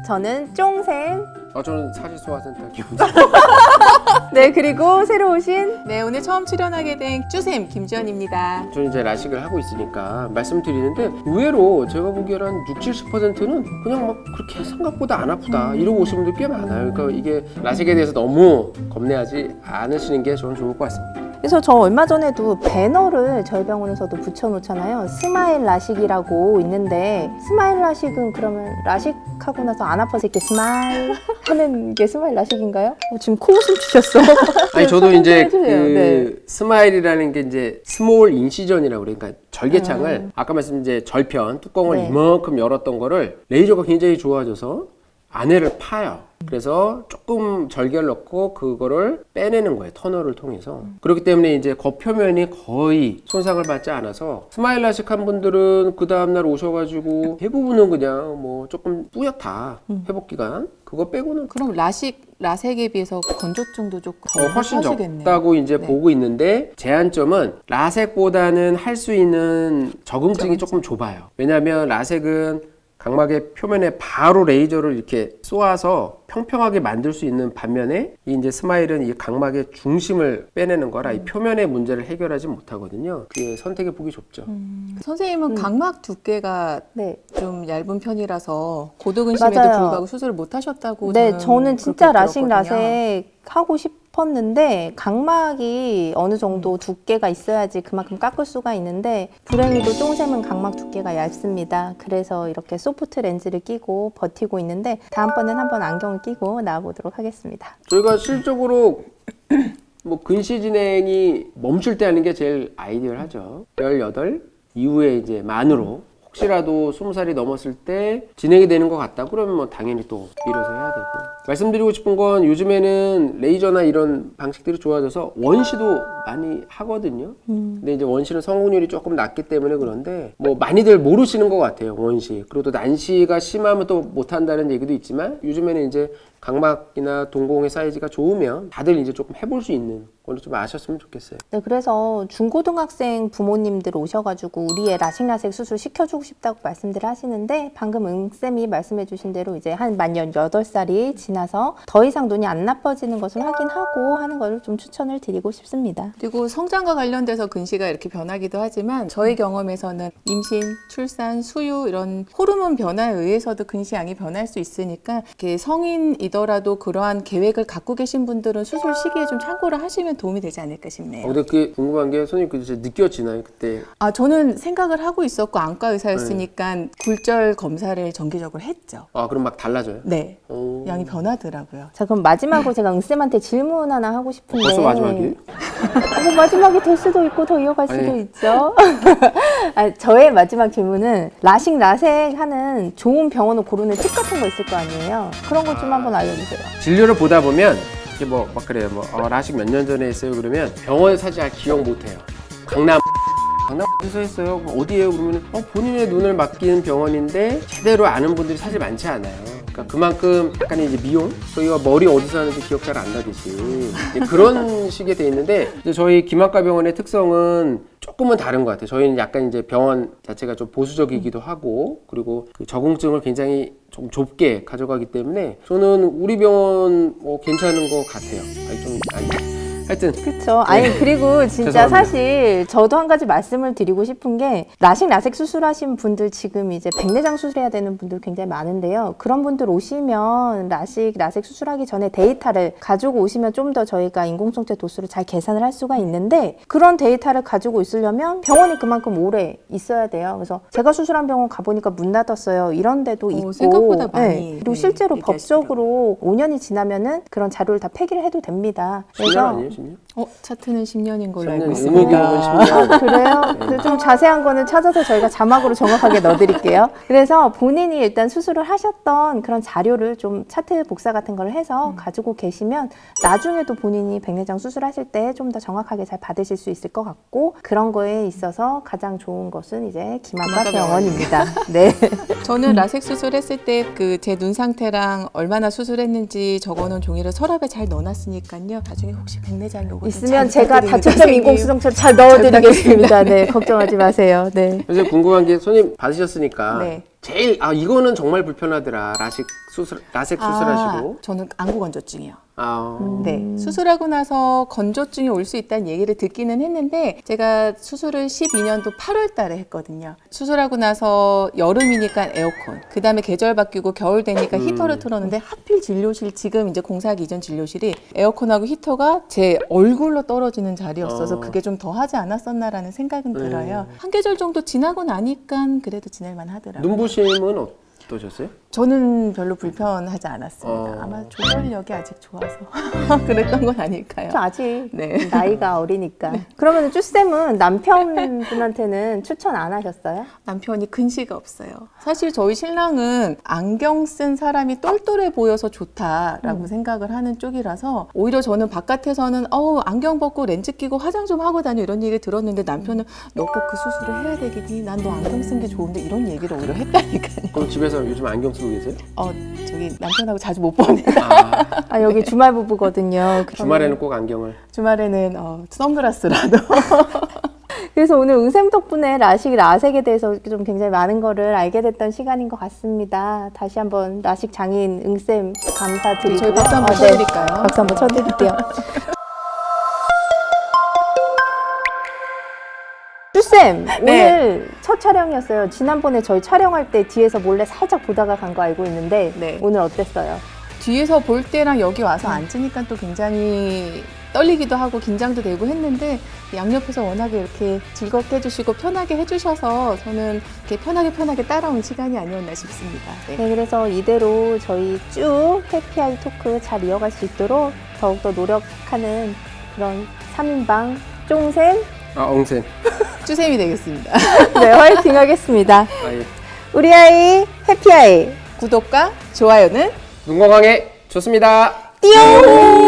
저는 쫑쌤. 저는 사지소화센터 기분. 네, 그리고 새로 오신 네, 오늘 처음 출연하게 된 쭈쌤 김지연입니다. 저는 이제 라식을 하고 있으니까 말씀드리는데 의외로 제가 보기에는 한 60~70%는 그냥 막 그렇게 생각보다 안 아프다 이러고 오신 분들 꽤 많아요. 그러니까 이게 라식에 대해서 너무 겁내하지 않으시는 게 저는 좋을 것 같습니다. 그래서 저 얼마 전에도 배너를 저희 병원에서도 붙여놓잖아요. 스마일 라식이라고 있는데 스마일 라식은 그러면 라식하고 나서 안 아파서 이렇게 스마일 하는 게 스마일 라식인가요? 지금 코웃음 주셨어. 아니 저도 이제 그 네. 스마일이라는 게 이제 스몰 인시전이라고 그러니까 절개창을 아까 말씀 이제 절편 뚜껑을 네. 이만큼 열었던 거를 레이저가 굉장히 좋아져서 안에를 파요. 그래서 조금 절개를 넣고 그거를 빼내는 거예요. 터널을 통해서. 그렇기 때문에 이제 겉표면이 거의 손상을 받지 않아서 스마일 라식 한 분들은 그 다음날 오셔가지고 대부분은 그냥 뭐 조금 뿌옇다. 회복 기간. 그거 빼고는 그럼 라섹에 비해서 건조증도 조금 훨씬 하시겠네요. 적다고 이제 네. 보고 있는데 제한점은 라섹보다는 할 수 있는 적응증이 조금 좁아요. 왜냐하면 라섹은 각막의 표면에 바로 레이저를 이렇게 쏘아서 평평하게 만들 수 있는 반면에 이 이제 스마일은 이 각막의 중심을 빼내는 거라 이 표면의 문제를 해결하지 못하거든요. 그게 선택의 폭이 좁죠. 선생님은 각막 두께가 네. 좀 얇은 편이라서 고도근심에도 맞아요. 불구하고 수술을 못 하셨다고 네, 저는 진짜 그렇게 라식 들었거든요. 라섹 하고 싶었는데 각막이 어느 정도 두께가 있어야지 그만큼 깎을 수가 있는데 불행히도 쫑쌤은 각막 두께가 얇습니다. 그래서 이렇게 소프트 렌즈를 끼고 버티고 있는데 다음번엔 한번 안경을 끼고 나와보도록 하겠습니다. 저희가 실적으로 뭐 근시 진행이 멈출 때 하는 게 제일 아이디얼하죠. 18 이후에 이제 만으로 혹시라도 20살이 넘었을 때 진행이 되는 것 같다 그러면 뭐 당연히 또 밀어서 해야 되고 말씀드리고 싶은 건 요즘에는 레이저나 이런 방식들이 좋아져서 원시도 많이 하거든요. 근데 이제 원시는 성공률이 조금 낮기 때문에 그런데 뭐 많이들 모르시는 것 같아요. 원시. 그리고 또 난시가 심하면 또 못한다는 얘기도 있지만 요즘에는 이제 각막이나 동공의 사이즈가 좋으면 다들 이제 조금 해볼 수 있는 걸 좀 아셨으면 좋겠어요. 네, 그래서 중고등학생 부모님들 오셔가지고 우리 애 라식 라섹 수술 시켜주고 싶다고 말씀들 하시는데 방금 응쌤이 말씀해주신 대로 이제 한 만 18살이 지나서 더 이상 눈이 안 나빠지는 것을 확인하고 하는 것을 좀 추천을 드리고 싶습니다. 그리고 성장과 관련돼서 근시가 이렇게 변하기도 하지만 저희 경험에서는 임신, 출산, 수유 이런 호르몬 변화에 의해서도 근시양이 변할 수 있으니까 이렇게 성인이더라도 그러한 계획을 갖고 계신 분들은 수술 시기에 좀 참고를 하시면 도움이 되지 않을까 싶네요. 근데 그게 궁금한 게 선생님 그 이제 느껴지나요 그때? 저는 생각을 하고 있었고 안과 의사였으니까 굴절 검사를 정기적으로 했죠. 그럼 막 달라져요? 네, 오. 양이 변하더라고요. 자, 그럼 마지막으로 제가 응쌤한테 질문 하나 하고 싶은데 벌써 마지막이에요? 뭐 마지막이 될 수도 있고 더 이어갈 수도 아니. 있죠. 저의 마지막 질문은 라식 라섹 하는 좋은 병원을 고르는 팁 같은 거 있을 거 아니에요. 그런 것 좀 한번 알려주세요. 진료를 보다 보면 이게 뭐 막 그래요. 라식 몇 년 전에 했어요. 그러면 병원을 사실 잘 기억 못 해요. 강남 어디서 했어요? 어디예요? 그러면 본인의 눈을 맡기는 병원인데 제대로 아는 분들이 사실 많지 않아요. 그러니까 그만큼 약간 이제 미용 저희가 머리 어디서 하는지 기억 잘 안 나듯이 이제 그런 식이 돼 있는데 이제 저희 김학과 병원의 특성은 조금은 다른 것 같아요. 저희는 약간 이제 병원 자체가 좀 보수적이기도 하고 그리고 그 적응증을 굉장히 좀 좁게 가져가기 때문에 저는 우리 병원 괜찮은 것 같아요. 하여튼 그렇죠. 아니 그리고 진짜 죄송합니다. 사실 저도 한 가지 말씀을 드리고 싶은 게 라식 라섹 수술하신 분들 지금 이제 백내장 수술해야 되는 분들 굉장히 많은데요. 그런 분들 오시면 라식 라섹 수술하기 전에 데이터를 가지고 오시면 좀 더 저희가 인공성체 도수를 잘 계산을 할 수가 있는데 그런 데이터를 가지고 있으려면 병원이 그만큼 오래 있어야 돼요. 그래서 제가 수술한 병원 가보니까 문 닫았어요. 이런 데도 있고 생각보다 많이, 그리고 실제로 얘기하시더라고요. 법적으로 5년이 지나면은 그런 자료를 다 폐기를 해도 됩니다. 10년 아니에요? 10년? 차트는 10년인 걸로 10년, 알고 의무교육은 있습니다. 10년. 그래요? 그좀 자세한 거는 찾아서 저희가 자막으로 정확하게 넣어드릴게요. 그래서 본인이 일단 수술을 하셨던 그런 자료를 좀 차트 복사 같은 걸 해서 가지고 계시면 나중에도 본인이 백내장 수술하실 때 좀 더 정확하게 잘 받으실 수 있을 것 같고 그런 거에 있어서 가장 좋은 것은 이제 김학과 김학과 병원입니다. 네. 저는 라섹 수술했을 때 그 제 눈 상태랑 얼마나 수술했는지 적어놓은 종이를 서랍에 잘 넣어놨으니까요. 나중에 혹시 백내 안내장이 오거든요. 있으면 제가 다초점 인공수정처를 잘 넣어드리겠습니다. 네, 걱정하지 마세요. 네. 그래서 궁금한 게 손님 받으셨으니까 네. 제일 이거는 정말 불편하더라. 라섹 수술하시고. 저는 안구 건조증이요. 음. 네, 수술하고 나서 건조증이 올 수 있다는 얘기를 듣기는 했는데 제가 수술을 12년도 8월 달에 했거든요. 수술하고 나서 여름이니까 에어컨, 그 다음에 계절 바뀌고 겨울 되니까 히터를 틀었는데 하필 진료실, 지금 이제 공사하기 이전 진료실이 에어컨하고 히터가 제 얼굴로 떨어지는 자리였어서 그게 좀 더 하지 않았었나라는 생각은 들어요. 한 계절 정도 지나고 나니까 그래도 지낼만 하더라고요. 눈부심은 어떠셨어요? 저는 별로 불편하지 않았습니다. 아마 조절력이 아직 좋아서 그랬던 건 아닐까요? 저 아직 네. 나이가 어리니까. 그러면 쭈쌤은 남편분한테는 추천 안 하셨어요? 남편이 근시가 없어요. 사실 저희 신랑은 안경 쓴 사람이 똘똘해 보여서 좋다라고 생각을 하는 쪽이라서 오히려 저는 바깥에서는 안경 벗고 렌즈 끼고 화장 좀 하고 다녀 이런 얘기 들었는데 남편은 너 꼭 그 수술을 해야 되겠니? 난 너 안경 쓴 게 좋은데 이런 얘기를 오히려 했다니까요. 그럼 집에서 요즘 안경 쓰고 계세요? 저기 남편하고 자주 못 보네요. 아, 여기 주말 부부거든요. 주말에는 꼭 안경을. 주말에는 선글라스라도. 그래서 오늘 응쌤 덕분에 라섹에 대해서 좀 굉장히 많은 거를 알게 됐던 시간인 것 같습니다. 다시 한번 라식 장인 응쌤 감사드리고요. 저희 박수 한번 네. 쳐드릴까요? 박수 한번 쳐드릴게요. 쭈쌤, 네. 오늘 첫 촬영이었어요. 지난번에 저희 촬영할 때 뒤에서 몰래 살짝 보다가 간 거 알고 있는데 네. 오늘 어땠어요? 뒤에서 볼 때랑 여기 와서 앉으니까 또 굉장히 떨리기도 하고 긴장도 되고 했는데 양옆에서 워낙에 이렇게 즐겁게 해주시고 편하게 해주셔서 저는 이렇게 편하게 따라온 시간이 아니었나 싶습니다. 네. 네, 그래서 이대로 저희 쭉 해피아이 토크 잘 이어갈 수 있도록 더욱더 노력하는 그런 3인방 쫑쌤 엉쌤. 쭈쌤이 되겠습니다. 네, 화이팅 하겠습니다. 예. 우리 아이 해피아이 구독과 좋아요는 눈 건강에 좋습니다. 띠용!